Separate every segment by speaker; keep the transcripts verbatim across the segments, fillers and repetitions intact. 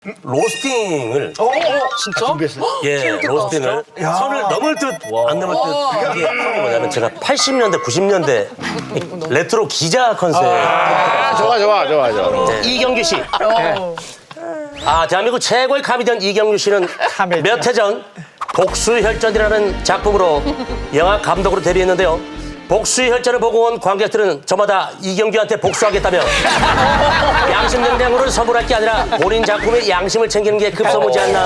Speaker 1: 로스팅을
Speaker 2: 어, 진짜?
Speaker 3: 준비했어요?
Speaker 1: 예 로스팅을 선을 넘을 듯 안 넘을 듯 이게 뭐냐면 제가 팔십 년대 구십 년대 레트로 기자 컨셉
Speaker 3: 아, 좋아, 좋아, 좋아, 좋아.
Speaker 1: 네. 이경규 씨. 아 대한민국 최고의 카미디언 이경규 씨는 몇 해 전 복수혈전이라는 작품으로 영화 감독으로 데뷔했는데요. 복수혈전을 보고 온 관객들은 저마다 이경규한테 복수하겠다며 양심 냉장고를 선물할 게 아니라 본인 작품의 양심을 챙기는 게 급선무지 않나.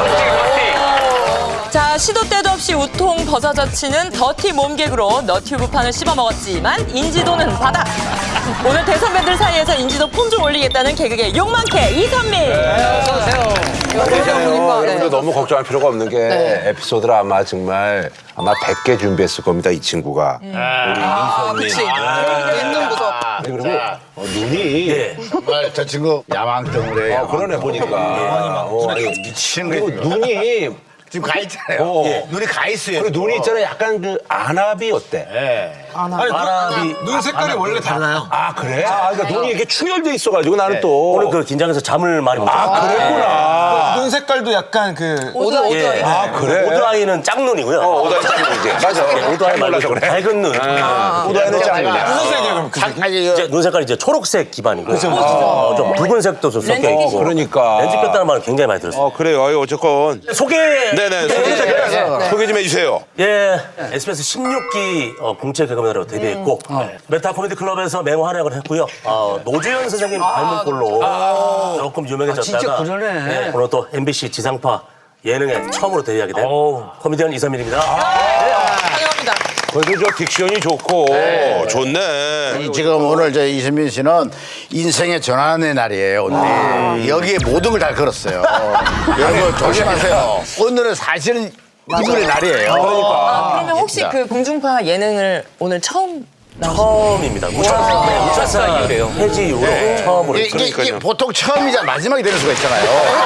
Speaker 2: 자, 시도 때도 없이 우통 버사저치는 더티 몸개그로 너튜브판을 씹어먹었지만 인지도는 바닥. 오늘 대선배들 사이에서 인지도 폼 좀 올리겠다는 개그계 욕망캐 이선민.
Speaker 4: 어서오세요.
Speaker 3: 여러분들 너무 걱정할 필요가 없는 게 에피소드를 아마 정말 아마 백 개 준비했을 겁니다, 이 친구가.
Speaker 4: 아, 그치. 있는 무섭.
Speaker 3: 그리고 어, 눈이
Speaker 1: 예.
Speaker 5: 정말 저 친구 야망덩어리예요.
Speaker 3: 어, 그러네 보니까. 어, 아니,
Speaker 5: 미치는
Speaker 3: 그리고
Speaker 5: 거예요.
Speaker 3: 눈이
Speaker 5: 지금 가 있잖아요.
Speaker 3: 어.
Speaker 5: 예. 눈이 가 있어요.
Speaker 3: 그리고 눈이 있잖아요. 약간 그 안압이 어때?
Speaker 1: 아랍이
Speaker 6: 눈 색깔이 원래 달라요.
Speaker 3: 아 그래? 아 그러니까 눈이 이렇게 충혈돼 있어가지고 나는 또
Speaker 1: 오늘 그 긴장해서 잠을 많이 못 잤어요.
Speaker 3: 아 그랬구나.
Speaker 6: 눈 색깔도 약간 그
Speaker 2: 오드 오드.
Speaker 1: 예.
Speaker 3: 아 그래?
Speaker 1: 오드아이는 짝눈이고요.
Speaker 3: 어, 오다이 짱이지. 맞아.
Speaker 1: 오드아이 말고 좀 밝은 눈.
Speaker 3: 오다이는 짱이야.
Speaker 6: 무슨 색이에요 그럼 그 색이?
Speaker 5: 아니
Speaker 1: 이제 눈 색깔이 이제 초록색 기반이고 어, 좀 붉은색도 좀 섞여 있고
Speaker 3: 그러니까.
Speaker 1: 렌즈 꼈다는 말을 굉장히 많이 들었어요.
Speaker 3: 어 그래요. 아유, 어쨌건.
Speaker 1: 소개.
Speaker 3: 네네. 소개 좀, 소개 좀 해주세요.
Speaker 1: 예, 에스비에스 십육 기 어, 공채 개그맨으로 데뷔했고 메타 코미디 클럽에서 맹호 활약을 했고요. 어, 노주현 선생님 닮은 꼴로 조금 유명해졌다가
Speaker 4: 진짜 그러네.
Speaker 1: 예, 오늘 또 엠비씨 지상파 예능에 처음으로 데뷔하게 된 코미디언 이선민입니다.
Speaker 2: 환영합니다.
Speaker 3: 그래도 저 딕션이 좋고 좋네.
Speaker 5: 지금 오늘 저 이선민 씨는 인생의 전환의 날이에요. 오늘 여기에 모든 걸 다 걸었어요. 여러분 조심하세요. 오늘은 사실은 이분의 날이에요.
Speaker 2: 아, 그러면 혹시 그 공중파 예능을 오늘 처음
Speaker 1: 처음입니다. 우차사, 네, 우차사 해지 이후로 처음으로.
Speaker 5: 이게, 이게, 이게 보통 처음이자 마지막이 되는 수가 있잖아요.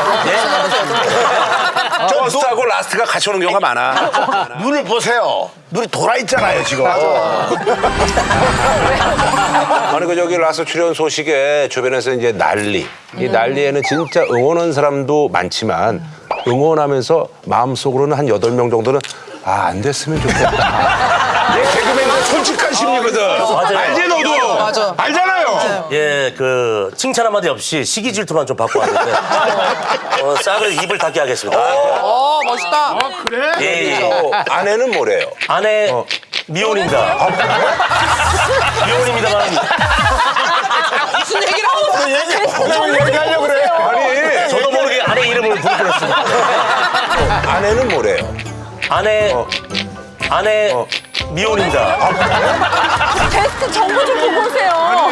Speaker 3: 저스트하고 라스트가 같이 오는 경우가 많아.
Speaker 5: 눈을 보세요. 눈이 돌아 있잖아요 지금.
Speaker 3: 아니 그 저기 라스트 출연 소식에 주변에서 이제 난리. 이 난리에는 진짜 응원한 사람도 많지만 응원하면서 마음속으로는 한 여덟 명 정도는 아, 안 됐으면 좋겠다. 얘 개그맨은 솔직한 심리거든.
Speaker 1: 맞아요.
Speaker 3: 알지 너도?
Speaker 2: 맞아.
Speaker 3: 알잖아요.
Speaker 1: 예, 그 칭찬 한마디 없이 시기 질투만 좀 받고 왔는데 어, 싹을 입을 닫게 하겠습니다.
Speaker 2: 어, 멋있다.
Speaker 1: 예, 예.
Speaker 3: 어, 아내는 뭐래요?
Speaker 1: 아내 미혼입니다. 미혼입니다만
Speaker 2: 무슨 얘기를 하고 있어요?
Speaker 5: 얘기하려고 그래.
Speaker 3: 아니
Speaker 1: 저도 모르게 아내 이름을 부르게 했습니다.
Speaker 3: 아내는 뭐래요?
Speaker 1: 아내 아내 미혼입니다.
Speaker 2: 게스트 정보 좀 보고 오세요.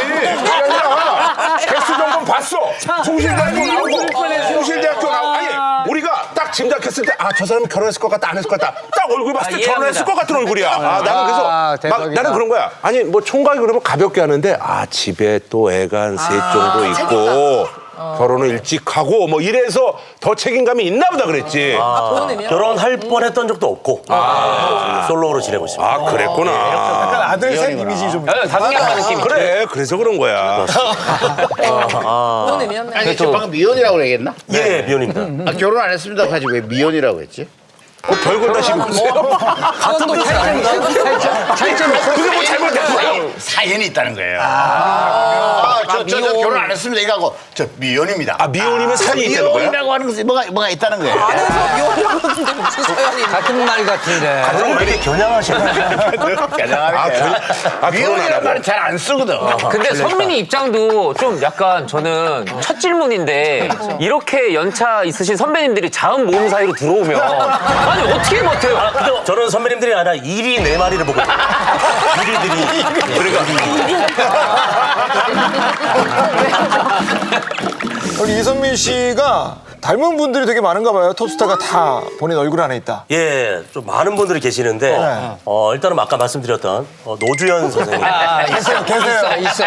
Speaker 3: 개수 정보 봤어. 숭실대학교 나오고 숭실대학교 나오고 아니 우리가 딱 짐작했을 때 아 저 사람 결혼했을 것 같다 안 했을 것 같다 딱 얼굴 봤을 때 결혼했을 것 같은 얼굴이야. 아 나는 그래서 막
Speaker 4: 대박이다.
Speaker 3: 나는 그런 거야. 아니 뭐 총각이 그러면 가볍게 하는데 아 집에 또 애가 한 셋 정도 있고 결혼을 일찍 하고 뭐 이래서 더 책임감이 있나 보다 그랬지.
Speaker 2: 좋은 의미야.
Speaker 1: 결혼할 뻔했던 적도 없고 솔로로 지내고 있습니다.
Speaker 3: 아 그랬구나.
Speaker 6: 아들 셋 이미지 좀
Speaker 4: 다둥이하는 느낌이.
Speaker 3: 그래 그래서 그런 거야.
Speaker 2: 좋은 의미였네.
Speaker 5: 아니 저 방금 미혼이라고 얘기했나?
Speaker 1: 예, 미혼입니다.
Speaker 5: 아, 결혼 안 했습니다. 가지고 왜 미혼이라고 했지?
Speaker 3: 그 별걸 다 씹고 있어요.
Speaker 2: 같은 또
Speaker 5: 그게 뭐 잘못됐어요? 사연이 있다는 거예요. 아, 저, 저, 저 결혼 안 했습니다. 이거하고 저 미혼입니다.
Speaker 3: 아 미혼이면 사연이 있다는 거야?
Speaker 5: 미혼이라고 하는 것이 뭐가, 뭐가 있다는 거예요.
Speaker 2: 안에서 미혼이라고 그러는데 무슨 소연이.
Speaker 4: 같은 말 같은데.
Speaker 1: 그럼 왜 이렇게 겨냥하시나요?
Speaker 3: 아, 결, 아 결혼 안
Speaker 5: 미혼이라는
Speaker 3: 하고.
Speaker 5: 말은 잘 안 쓰거든.
Speaker 4: 근데 선민이 입장도 좀 약간 저는 첫 질문인데 이렇게 연차 있으신 선배님들이 자은 모음 사이로 들어오면 아니 어떻게 버텨요?
Speaker 1: 아, 근데 저는 선배님들이 아니라 일이 네 마리를 보고 일이들이
Speaker 6: 우리 이선민 씨가 닮은 분들이 되게 많은가 봐요. 톱스타가 다 본인 얼굴 안에 있다.
Speaker 1: 예, 좀 많은 분들이 계시는데 어, 일단은 아까 말씀드렸던 어, 노주현 선생님
Speaker 6: 계세요, 계세요.
Speaker 4: 있어.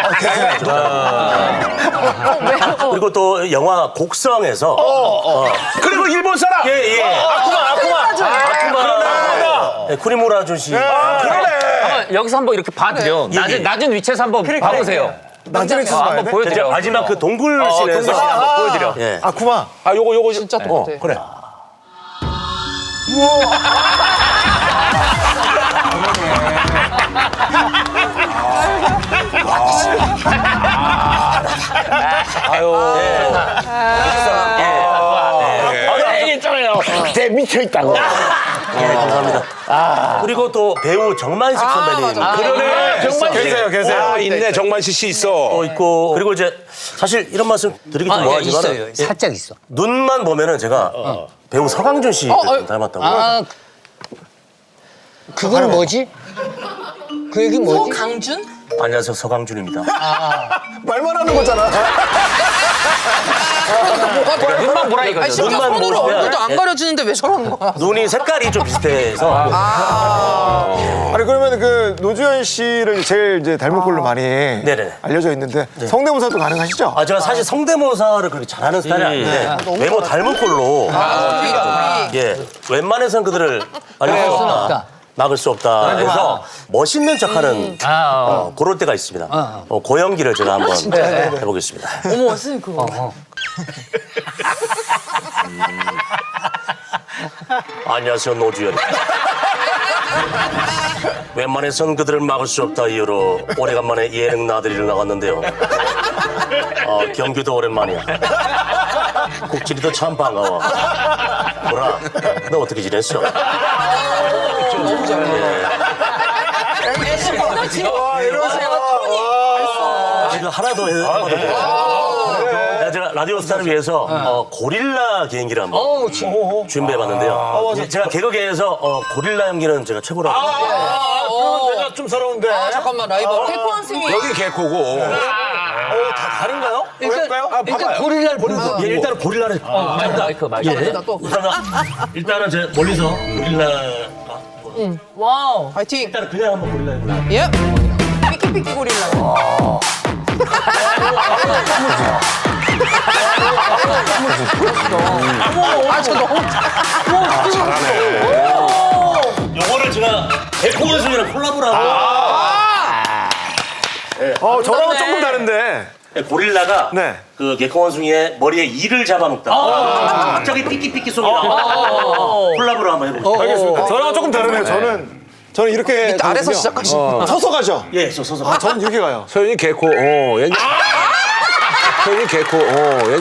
Speaker 1: 그리고 또 영화 곡성에서
Speaker 3: 그리고 일본 사람.
Speaker 1: 예, 예. 아쿠마, 아쿠마. 아쿠마. 예, 쿠니무라 아저씨.
Speaker 3: 그러네.
Speaker 4: 한번 여기서 한번 이렇게 봐드려. 낮은, 낮은 위치에서 한번 봐보세요.
Speaker 6: 나중에
Speaker 4: 아, 한번
Speaker 6: 돼?
Speaker 4: 보여드려.
Speaker 1: 마지막 그 동굴
Speaker 4: 어,
Speaker 1: 씬에서
Speaker 4: 동굴 씬 한번 보여드려.
Speaker 1: 예.
Speaker 6: 아, 구마.
Speaker 3: 아 요거 요거
Speaker 7: 진짜
Speaker 3: 어,
Speaker 7: 똑같아.
Speaker 3: 그래.
Speaker 5: 대 미쳐 있다고.
Speaker 1: 예, 감사합니다. 그리고 또 배우 정만식 선배님
Speaker 3: 그러네. 정만
Speaker 6: 계세요, 계세요.
Speaker 3: 아 있네. 정만식 씨 있어.
Speaker 1: 또 있고 그리고 이제 사실 이런 말씀 드리기 좀 뭐하지만
Speaker 5: 살짝 있어.
Speaker 1: 눈만 보면은 제가 배우 서강준 씨 닮았다고.
Speaker 7: 아, 그건 뭐지? 그 얘기 뭐지?
Speaker 2: 강준?
Speaker 1: 안녕하세요, 서강준입니다.
Speaker 6: 말만 하는 거잖아.
Speaker 4: 눈만 보라 이거죠.
Speaker 2: 아니, 진짜
Speaker 1: 눈만
Speaker 2: 손으로
Speaker 1: 보면-
Speaker 2: 얼굴도 안
Speaker 1: 예.
Speaker 2: 가려주는데 왜 저러는 거야?
Speaker 1: 눈이 색깔이 좀 비슷해서
Speaker 6: 아니 그러면 그 노주현 씨를 제일 이제 닮은 꼴로 많이
Speaker 1: 네네.
Speaker 6: 알려져 있는데 성대모사도 가능하시죠?
Speaker 1: 아 제가 사실 성대모사를 그렇게 잘하는 스타일이 아닌데 외모 닮은 꼴로 예 웬만해선 그들을 알릴 수 없다. 막을 수 없다. 그래서 멋있는 척하는 어, 그럴 때가 있습니다. 어, 고연기를 제가 한번 해보겠습니다.
Speaker 2: 어머, 선생님 그거.
Speaker 1: 안녕하세요, 노주현입니다. 웬만해선 그들을 막을 수 없다 이유로 오래간만에 예능 나들이를 나갔는데요. 어, 경규도 오랜만이야. 국진이도 참 반가워. 뭐라, 너 어떻게 지냈어?
Speaker 2: 너무 잘해.
Speaker 6: 와, 이러세요.
Speaker 1: 제가 하나 더 해봤는데 제가 라디오 스타를 위해서 어, 고릴라 개인기를 한번
Speaker 7: 어, 지-
Speaker 1: 준비해봤는데요. 제가 개그계에서 어, 고릴라 연기는 제가 최고라고.
Speaker 6: 내가 좀 서러운데.
Speaker 2: 잠깐만, 라이벌. 개코 선생님.
Speaker 3: 여기 개코고.
Speaker 6: 다 다른가요?
Speaker 7: 일단,
Speaker 6: 그럴까요?
Speaker 7: 일단 고릴라를 보면서.
Speaker 1: 예, 일단은 고릴라를
Speaker 4: 마이크 마이크.
Speaker 1: 예. 일단은, 일단은 제 멀리서 고릴라
Speaker 2: 와우.
Speaker 7: 파이팅!
Speaker 1: 일단은 그냥 한번 고릴라 해볼게요.
Speaker 2: 예. 피키피키 고릴라. 아, 저 너무.
Speaker 1: 요거를 제가 개코 원숭이랑 콜라보를 하고
Speaker 6: 어, 저랑은
Speaker 2: 그러네.
Speaker 6: 조금 다른데.
Speaker 1: 고릴라가
Speaker 6: 네.
Speaker 1: 그 개코 원숭이의 머리에 이를 잡아먹다 갑자기 삐끼삐끼 소리 나고 콜라보를 한번 해보겠습니다.
Speaker 6: 알겠습니다. 저랑은 조금 다르네요. 저는 저는 이렇게
Speaker 7: 아래서
Speaker 6: 가거든요.
Speaker 7: 시작하시는
Speaker 6: 서서 가죠.
Speaker 1: 예, 저 서서.
Speaker 6: 아, 저는 이렇게 가요.
Speaker 3: 서윤이 개코. 어. 얘. 서윤이 개코. 어. 얘.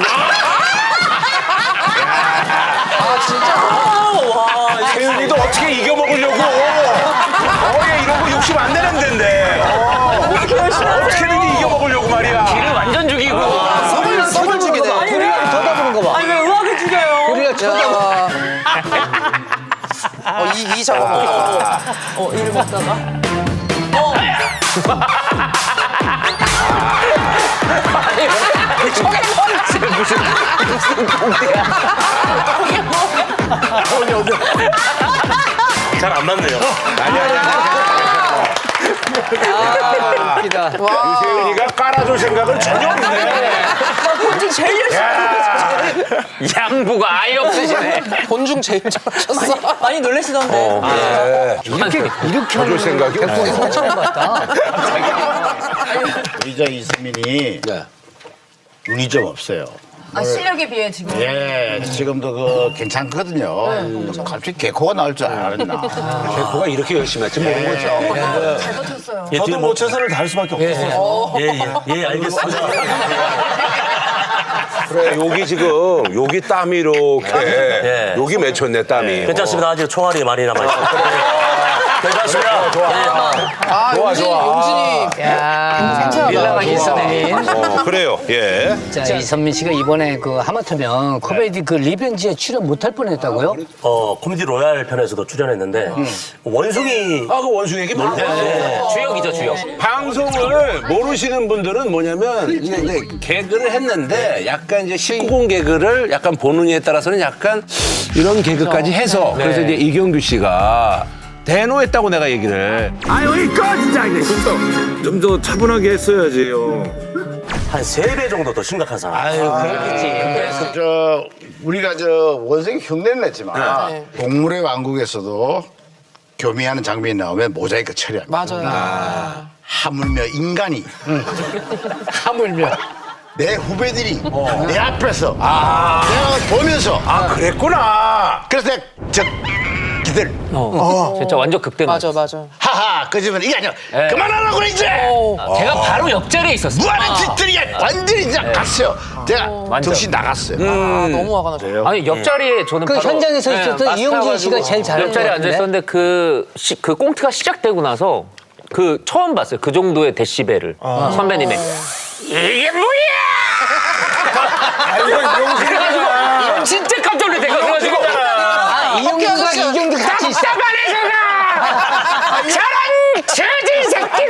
Speaker 3: 세윤이도 어떻게 이겨먹으려고. 어, 얘 이런 거 욕심 안 내는 데인데. 어떻게든지 이겨먹으려고 말이야.
Speaker 4: 귀를 완전 죽이고.
Speaker 7: 고릴라 썸을 죽이네. 고릴라를 쳐다보는 거 봐.
Speaker 2: 아니, 왜 의학을 죽여요?
Speaker 7: 고릴라 쳐다봐.
Speaker 2: 어, 이, 이 작업. 어, 이를 먹다가.
Speaker 1: 잘 안 맞네요.
Speaker 7: 아, 웃기다.
Speaker 3: 세윤이가 깔아줄 생각을 전혀 없네.
Speaker 2: 본중 제일 열심히
Speaker 4: 양보가 아예 없으시네.
Speaker 7: 본중 제일 잘하셨어.
Speaker 2: 많이 놀라시던데.
Speaker 7: 이렇게, 이렇게
Speaker 3: 해줄 생각이 없어.
Speaker 7: 처음 봤다.
Speaker 5: 우리 저 이선민이 운이 좀 없어요.
Speaker 2: 아, 실력에 비해 지금.
Speaker 5: 예, 지금도 그 괜찮거든요. 갑자기 개코가 나올 줄 알았나.
Speaker 3: 개코가 이렇게 열심히 할지 모르는 거죠.
Speaker 2: 잘 버텼어요.
Speaker 1: 예, 뒤에
Speaker 6: 저도 뭐 최선을 다할 수밖에 없어요.
Speaker 1: 예, 예, 예, 알겠습니다.
Speaker 3: 그래, 여기 지금, 여기 땀이 이렇게.
Speaker 1: 예.
Speaker 3: 여기 맺혔네, 땀이.
Speaker 1: 괜찮습니다. 아직 총알이 많이 남아있어요. 괜찮습니다. 좋아.
Speaker 7: 아,
Speaker 3: 좋아,
Speaker 7: 용진이,
Speaker 3: 좋아.
Speaker 7: 용진이. 야,
Speaker 4: 밀라가 이선민.
Speaker 3: 어, 그래요, 예.
Speaker 8: 자, 이선민 씨가 이번에 그 하마터면 코미디 그 리벤지에 출연 못할 뻔했다고요?
Speaker 1: 어, 코미디 로얄 편에서도 출연했는데 원숭이
Speaker 3: 아, 그 원숭이 얘기 모르
Speaker 4: 주역이죠 주역.
Speaker 3: 방송을 모르시는 분들은 뭐냐면 이제, 이제 개그를 했는데 약간 이제 십구 금 개그를 약간 보는 이에 따라서는 약간 이런 개그까지 해서 그래서 이제 이경규 씨가 대노했다고 내가 얘기를.
Speaker 9: 아 여기까지 진짜 좀 더 차분하게 했어야지요.
Speaker 1: 한 세 배 정도 더 심각한 상황.
Speaker 5: 그래서 저 우리가 저 원생이 흉내는 냈지만 동물의 왕국에서도 교미하는 장면이 나오면 모자이크 처리합니다.
Speaker 7: 맞아요.
Speaker 5: 하물며 인간이
Speaker 8: 하물며.
Speaker 5: 내 후배들이 내 앞에서 내가 보면서
Speaker 3: 아 그랬구나.
Speaker 5: 그래서 내가 저 기들
Speaker 4: 진짜 완전 극대노.
Speaker 2: 맞아, 맞아.
Speaker 5: 하하 그러면 이게 아니라
Speaker 4: 네.
Speaker 5: 그만하라고 그래 이제
Speaker 4: 제가 바로 옆자리에 있었어요.
Speaker 5: 무한한 짓들이 완전히 이제 갔어요. 제가
Speaker 4: 완전.
Speaker 5: 정신 나갔어요.
Speaker 2: 아, 너무 화가 났어.
Speaker 4: 아니 옆자리에 저는
Speaker 8: 그
Speaker 4: 바로
Speaker 8: 현장에서 있었던
Speaker 4: 마스크
Speaker 8: 이용진 씨가
Speaker 4: 가지고
Speaker 8: 제일 잘한
Speaker 4: 옆자리에
Speaker 8: 것
Speaker 4: 앉아
Speaker 8: 같은데?
Speaker 4: 있었는데 그, 시, 그 꽁트가 시작되고 나서 그 처음 봤어요. 그 정도의 데시벨을 선배님의 이게 뭐야?
Speaker 6: 아, 이거 이용진이야.
Speaker 4: 진짜 깜짝 놀랐대. 그래가지고
Speaker 8: 아, 이용진과 이경규 같이 있어.
Speaker 4: 답답하네 제가 저런 저질 새끼들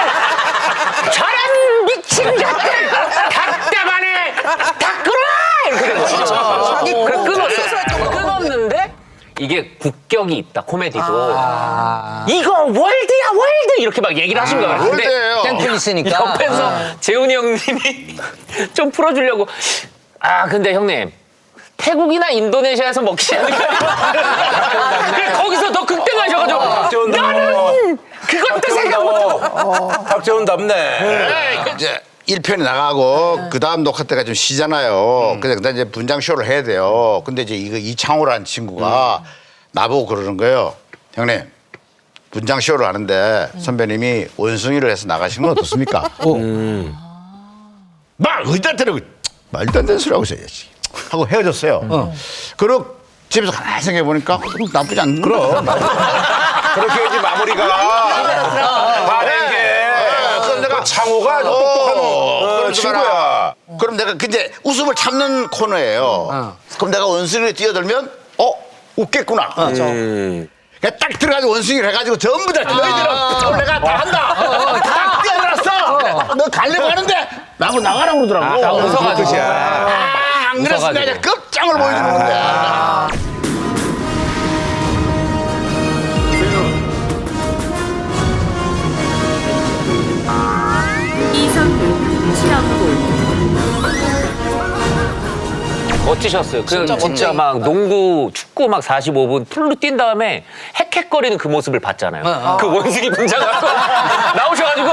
Speaker 4: 저런 미친 것들 답답하네 다 끊어 이렇게 된 거예요. 그래 끊었어. 끊었는데 이게 국격이 있다 코미디도 이거 월드야 월드 이렇게 막 얘기를 하신 거예요. 근데
Speaker 5: 월드예요.
Speaker 8: 땡플 있으니까.
Speaker 4: 옆에서 재훈이 형님이 좀 풀어주려고 아 근데 형님 태국이나 인도네시아에서 먹지 않을까? 그래 거기서 더 극대화하셔가지고 나는 그것도 생각 못하고
Speaker 3: 박재훈답네.
Speaker 5: 이제 일 편이 나가고 그 다음 녹화 때가 좀 쉬잖아요. 근데 그다음 이제 분장 쇼를 해야 돼요. 근데 이제 이거 이창호라는 친구가 나보고 그러는 거예요. 형님 분장 쇼를 하는데 선배님이 원숭이를 해서 나가시는 건 어떻습니까? 막 의다 때리고 말도 안 되는 소리 하고 있어야지 하고 헤어졌어요. 그리고 집에서 가만히 생각해 보니까 나쁘지 않는 그럼
Speaker 3: 그렇게 해야지 마무리가. 반한 게.
Speaker 5: 그럼 내가
Speaker 3: 창호가 아주 똑똑한 어, 친구야.
Speaker 5: 그럼 내가 근데 웃음을 참는 코너예요. 그럼 내가 원숭이를 뛰어들면 어 웃겠구나.
Speaker 3: 음.
Speaker 5: 그냥 딱 들어가지고 원숭이를 해가지고 전부 다 너희들은 오늘 내가 다 한다. 딱 뛰어들었어. 너 가려고 하는데 나하고 나가라고 그러더라고.
Speaker 4: 아, 웃어가지고.
Speaker 5: 아, 안 그랬으면
Speaker 4: 웃어가지고.
Speaker 5: 그냥 끝장을 보여주는 건데.
Speaker 10: 이성민, 최영구.
Speaker 4: 멋지셨어요. 그 진짜, 막 농구, 축구 막 사십오 분 풀로 뛴 다음에 헥헥거리는 그 모습을 봤잖아요. 그 원숭이 분장하고 나오셔가지고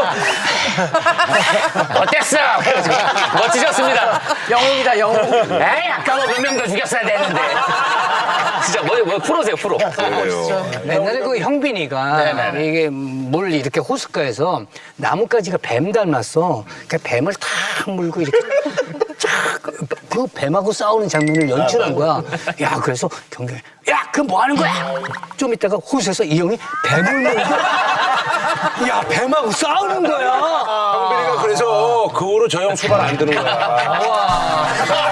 Speaker 4: 어땠어? 그래가지고 멋지셨습니다.
Speaker 2: 영웅이다, 영웅.
Speaker 4: 에이 아까 뭐 몇 명 더 죽였어야 되는데. 진짜 뭐, 뭐 프로세요 프로.
Speaker 8: 옛날에 그 형빈이가 이게 물 이렇게 호숫가에서 나뭇가지가 뱀 닮았어. 그 뱀을 탁 물고 이렇게 그 뱀하고 싸우는 장면을 연출한 거야. 야, 그래서 경경이 야, 그 뭐 하는 거야? 좀 이따가 호수에서 이 형이 뱀을 물고 야, 뱀하고 싸우는 거야.
Speaker 3: 형빈이가 그래서 그 후로 저 형 수발 안 드는 거야.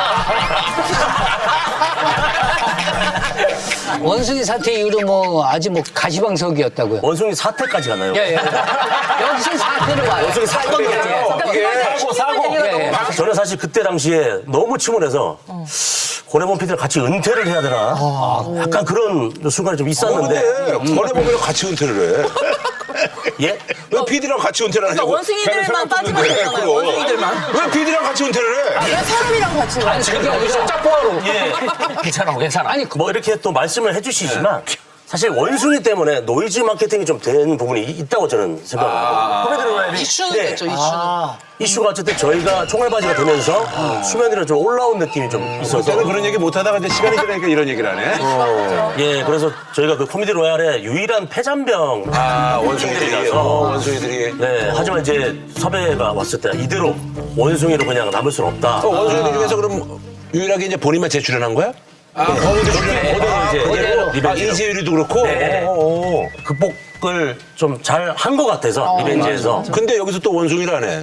Speaker 8: 원숭이 사태 이후로 뭐 아주 뭐 가시방석이었다고요.
Speaker 1: 원숭이 사태까지 가나요?
Speaker 8: 예, 예. 여기서 사태로 와요.
Speaker 1: 원숭이 사건
Speaker 3: 이게
Speaker 1: 사고 사고.
Speaker 8: 예, 예.
Speaker 1: 저는 사실 그때 당시에 너무 침울해서 고래범 피디를 같이 은퇴를 해야 되나? 약간 그런 순간이 좀 있었는데.
Speaker 3: 근데 권해보면 같이 은퇴를 해.
Speaker 1: 예?
Speaker 3: 왜 피디랑 같이 은퇴를 하냐고.
Speaker 2: 원숭이들만 빠지면 되잖아요, 원숭이들만.
Speaker 3: 왜 피디랑 같이 은퇴를 해?
Speaker 2: 왜 사람이랑 같이 가?
Speaker 4: 그게 어디서 짝포하러. 예. 괜찮아 괜찮아.
Speaker 1: 아니 뭐 이렇게 또 말씀을 해주시지만 사실 원숭이 때문에 노이즈 마케팅이 좀 된 부분이 이- 있다고 저는 생각합니다.
Speaker 2: 이슈는
Speaker 1: 네.
Speaker 2: 됐죠, 이슈는.
Speaker 1: 이슈가 어쨌든 저희가 총알바지가 되면서 수면 위로 좀 올라온 느낌이 좀 있어서
Speaker 3: 그때는 그런 얘기 못 하다가 이제 시간이 지나니까 이런 얘기를 하네.
Speaker 1: 예 그래서 저희가 그 코미디 로얄의 유일한 폐잔병
Speaker 3: 아, 원숭이들이.
Speaker 1: 팀들이라서
Speaker 3: 어, 원숭이들이.
Speaker 1: 네 하지만 이제 섭외가 왔을 때 이대로 원숭이로 그냥 남을 수는 없다.
Speaker 3: 어, 원숭이들 중에서 그럼 유일하게 이제 본인만 재출연한 거야? 아, 거기도 출연.
Speaker 1: 그대로
Speaker 3: 아, 이재율이도 그렇고?
Speaker 1: 네.
Speaker 3: 어, 어, 어.
Speaker 1: 극복을 좀 잘 한 것 같아서 리벤지에서
Speaker 3: 근데 여기서 또 원숭이라네.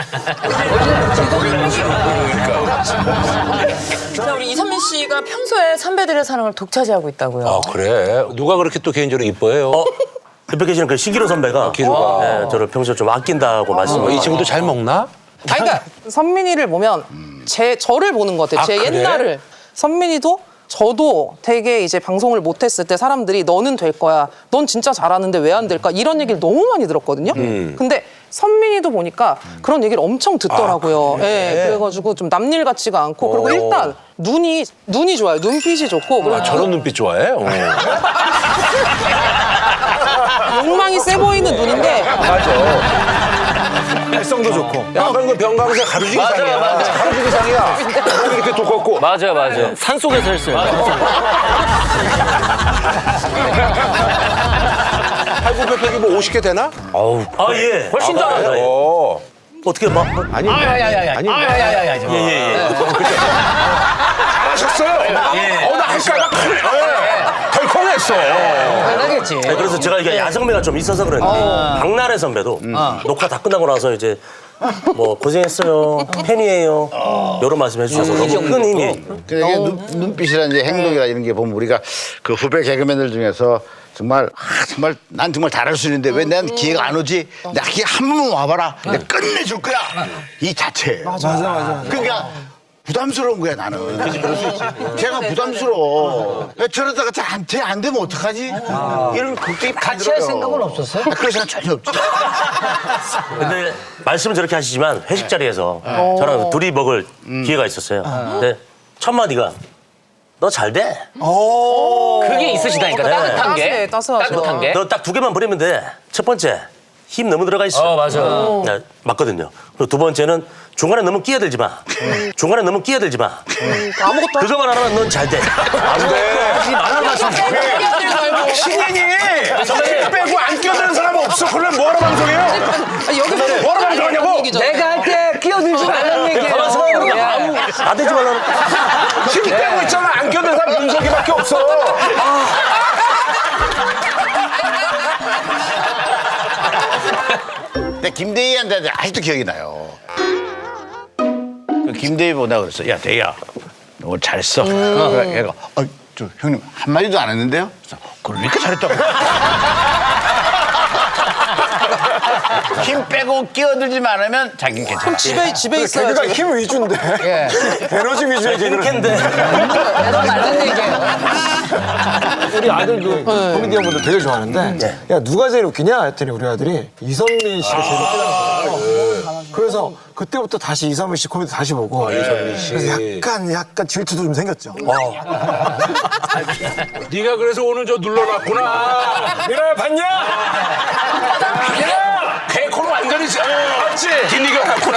Speaker 2: 자, 우리 이선민 씨가 평소에 선배들의 사랑을 독차지하고 있다고요.
Speaker 3: 아, 그래? 누가 그렇게 또 개인적으로 이뻐해요?
Speaker 1: 어? 옆에 계시는 그 시기로 선배가
Speaker 3: 기로가.
Speaker 1: 네, 저를 평소에 좀 아낀다고 말씀을
Speaker 3: 이 친구도 잘 먹나?
Speaker 11: 아니, 그러니까 선민이를 보면 제 저를 보는 것 같아요.
Speaker 3: 아,
Speaker 11: 제
Speaker 3: 그래?
Speaker 11: 옛날을. 선민이도 저도 되게 이제 방송을 못했을 때 사람들이 너는 될 거야. 넌 진짜 잘하는데 왜 안 될까? 이런 얘기를 너무 많이 들었거든요. 근데 선민이도 보니까 그런 얘기를 엄청 듣더라고요. 예, 그래가지고 좀 남일 같지가 않고 그리고 일단 눈이 눈이 좋아요. 눈빛이 좋고 그리고
Speaker 3: 아, 저런 눈빛 좋아해? 어.
Speaker 11: 욕망이 세 보이는 눈인데
Speaker 3: 맞아.
Speaker 6: 발성도 좋고.
Speaker 3: 약간 그 병강세 가루지
Speaker 4: 맞아요,
Speaker 3: 기상이야.
Speaker 4: 맞아요.
Speaker 3: 가루지 기상이야. 몸이 이렇게 두껍고.
Speaker 4: 맞아요, 맞아요. 산 속에서 했어요.
Speaker 3: 팔굽혀펴기 뭐 오십 개 되나?
Speaker 1: 아 예.
Speaker 4: 훨씬
Speaker 1: 아,
Speaker 4: 잘해요.
Speaker 1: 예.
Speaker 3: 오.
Speaker 1: 어떻게 막
Speaker 3: 아니.
Speaker 8: 아야야야.
Speaker 3: 아니.
Speaker 8: 아야야야.
Speaker 1: 예예예.
Speaker 3: 하셨어요?
Speaker 1: 예.
Speaker 3: 어, 나 할까봐 덜컹했어.
Speaker 8: 당연하겠지.
Speaker 1: 네, 그래서 제가 이게 야성미가 좀 있어서 그런지 박나래 선배도 녹화 다 끝나고 나서 이제 뭐 고생했어요 팬이에요 이런 말씀 해주셔서 너무 큰 힘이.
Speaker 5: 근데 이게 눈, 눈빛이나 이제 행동이나 이런 게 보면 우리가 그 후배 개그맨들 중에서 정말 아, 정말 난 정말 잘할 수 있는데 왜 난 기회가 안 오지? 나 기회 한 번만 와봐라. 내가 끝내줄 거야. 이 자체예요.
Speaker 6: 맞아, 맞아, 맞아.
Speaker 5: 그러니까 부담스러운 거야 나는. 그럴 수 있지. 걔가 부담스러워. 야, 저러다가 잘안 되면 어떡하지? 이런 걱정이
Speaker 8: 같이 할 생각은 없었어요?
Speaker 5: 그럴 생각 전혀 없지.
Speaker 1: 근데 말씀은 저렇게 하시지만 회식 자리에서 저랑 둘이 먹을 기회가 있었어요. 근데 첫 마디가 너 잘 돼.
Speaker 4: 그게 있으시다니까, 따뜻한 게.
Speaker 11: 따스해, 따스하죠.
Speaker 4: 따뜻한 게.
Speaker 1: 너 딱 두 개만 버리면 돼. 첫 번째 힘 너무 들어가 있어.
Speaker 4: 어, 맞아.
Speaker 1: 네, 맞거든요. 그리고 두 번째는 중간에 너무 끼어들지 마. 중간에 너무 끼어들지 마.
Speaker 11: 아무것도
Speaker 1: 그거만 안 하면 넌 잘 돼.
Speaker 3: 안 돼.
Speaker 1: 하지 말라는 말씀.
Speaker 3: 신인이 힘 빼고 안 끼어드는 사람 없어. 그러면 뭐하러 방송해요?
Speaker 11: 여기서
Speaker 3: 뭐하러 방송하냐고?
Speaker 8: 내가 할 때 끼어들지 말라는 얘기예요.
Speaker 1: 가만히 서 있는 게 아무 안 되지 말라는.
Speaker 3: 힘 빼고 있잖아. 안 끼어드는 사람 윤석이밖에 없어.
Speaker 5: 근데 김대희한테 아직도 기억이 나요. 그 김대희 보다 그랬어. 야 대희야, 너 오늘 잘했어. 그래, 얘가 어, 저 형님 한 마디도 안 했는데요. 그래서 그걸 왜 이렇게 잘했다고? 힘 빼고 끼어들지만 않으면 자기는 괜찮아.
Speaker 11: 집에 집에 있어요.
Speaker 6: 개그가 힘 위주인데. 에너지 위주의 개그를.
Speaker 1: 힘캔데.
Speaker 8: 맞는 얘기예요.
Speaker 6: 우리 아들도 코미디언분들 되게 좋아하는데 야 누가 제일 웃기냐 했더니 우리 아들이 이선민 씨가 제일 웃기더라고요. 그래서 그때부터 다시 이선민 씨 코미디 다시 보고
Speaker 3: 이선민 씨.
Speaker 6: 그래서 약간 약간 질투도 좀 생겼죠.
Speaker 3: 네가 그래서 오늘 저 눌러놨구나.
Speaker 6: 미라야 봤냐?
Speaker 3: 개코는 완전히 맞지? 뒷니가 났구나.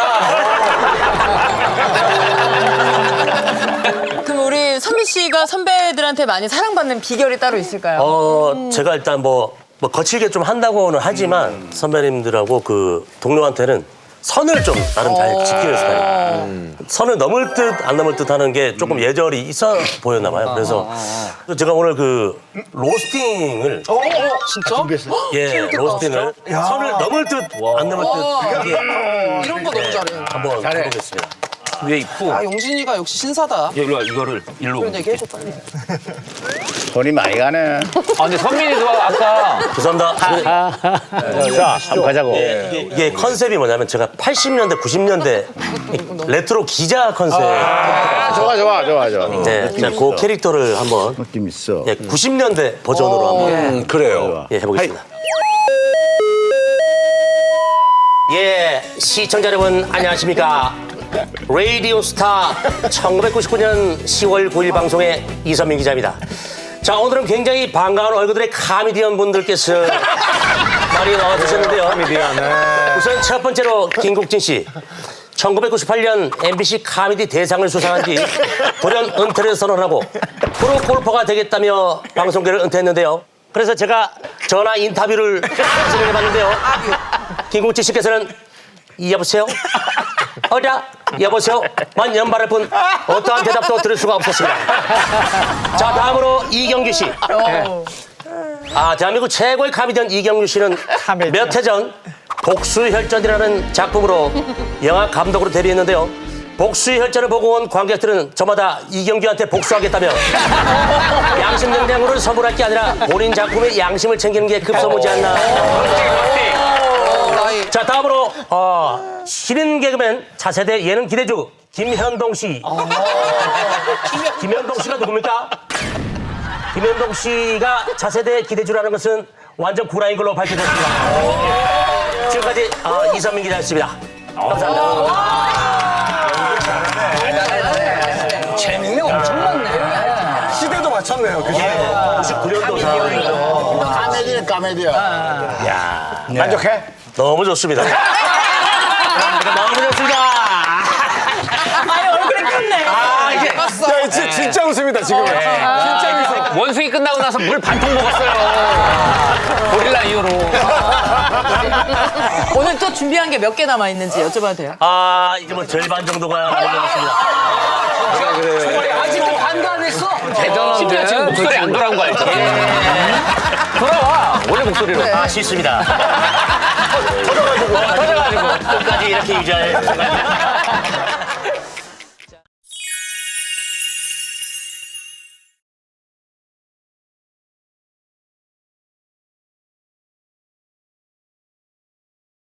Speaker 2: 그럼 우리 선미 씨가 선배들한테 많이 사랑받는 비결이 따로 있을까요?
Speaker 1: 어 제가 일단 뭐, 뭐 거칠게 좀 한다고는 하지만 선배님들하고 그 동료한테는 선을 좀 나름 잘 지키는 스타일이에요. 선을 넘을 듯 안 넘을 듯 하는 게 조금 예절이 있어 보였나 봐요. 그래서 제가 오늘 그 로스팅을
Speaker 11: 진짜?
Speaker 1: 예 로스팅을 선을 넘을 듯 안 넘을 듯 하게
Speaker 11: 이런 거 너무 잘해.
Speaker 1: 한번 해보겠습니다.
Speaker 4: 위에 있고.
Speaker 11: 아 용진이가 역시 신사다.
Speaker 4: 예, 일로 와, 이거를 일로.
Speaker 11: 그런 얘기 해줘 빨리.
Speaker 5: 돈이 많이 가네.
Speaker 4: 아, 근데 선민이도 아까.
Speaker 1: 죄송합니다.
Speaker 5: 자, 한번 가자고.
Speaker 1: 이게, 이게 컨셉이 뭐냐면 제가 팔십 년대, 구십 년대 레트로 기자 컨셉.
Speaker 5: 아, 좋아, 좋아, 좋아, 좋아.
Speaker 1: 네, 제가 그 캐릭터를 한번
Speaker 5: 느낌 있어.
Speaker 1: 예, 구십 년대 버전으로 한번
Speaker 3: 음, 그래요.
Speaker 1: 예, 해보겠습니다. 예, 시청자 여러분 안녕하십니까? 라디오 스타 천구백구십구 년 시월 구일 방송의 이선민 기자입니다. 자, 오늘은 굉장히 반가운 얼굴들의 카미디언 분들께서 많이 나와주셨는데요. 우선 첫 번째로 김국진 씨. 천구백구십팔 년 엠비씨 카미디 대상을 수상한 뒤 돌연 은퇴를 선언하고 프로 골퍼가 되겠다며 방송계를 은퇴했는데요. 그래서 제가 전화 인터뷰를 진행해봤는데요. 김국진 씨께서는 여보세요? 어라? 여보세요? 만 연발할 뿐 어떠한 대답도 들을 수가 없었습니다. 자, 다음으로 이경규 씨. 아, 대한민국 최고의 카미디언 이경규 씨는 몇 해 전 복수혈전이라는 작품으로 영화 감독으로 데뷔했는데요. 복수의 혈전을 보고 온 관객들은 저마다 이경규한테 복수하겠다며 양심 냉장고를 선물할 게 아니라 본인 작품의 양심을 챙기는 게 급선무지 않나. 자, 다음으로 어, 신인 개그맨 차세대 예능 기대주 김현동 씨. 김현동 씨가 누굽니까? 김현동 씨가 차세대 기대주라는 것은 완전 구라인 걸로 밝혀졌습니다. 지금까지 어, 이선민 기자였습니다. 감사합니다.
Speaker 8: 재능이 엄청 많네.
Speaker 6: 시대도 맞췄네요. 그 시대.
Speaker 1: 구십구 년도 사
Speaker 5: 까메디네, 까메디야.
Speaker 1: 야,
Speaker 5: 만족해?
Speaker 1: 너무 좋습니다.
Speaker 6: 아, 진짜, 진짜 웃습니다, 지금. 진짜 웃음.
Speaker 4: 원숭이 끝나고 나서 물 반통 먹었어요. 고릴라 이후로.
Speaker 2: 오늘 또 준비한 게 몇 개 남아 있는지 여쭤봐도 돼요?
Speaker 1: 아, 이제 뭐 절반 정도가 남았습니다.
Speaker 8: 아직도 반도 안 했어.
Speaker 4: 심지어 지금 목소리 안 돌아온 거 알죠? 돌아와. 원래 목소리로.
Speaker 1: 아, 싫습니다. 터져가지고. 터져가지고. 끝까지 이렇게 유지할 생각입니다.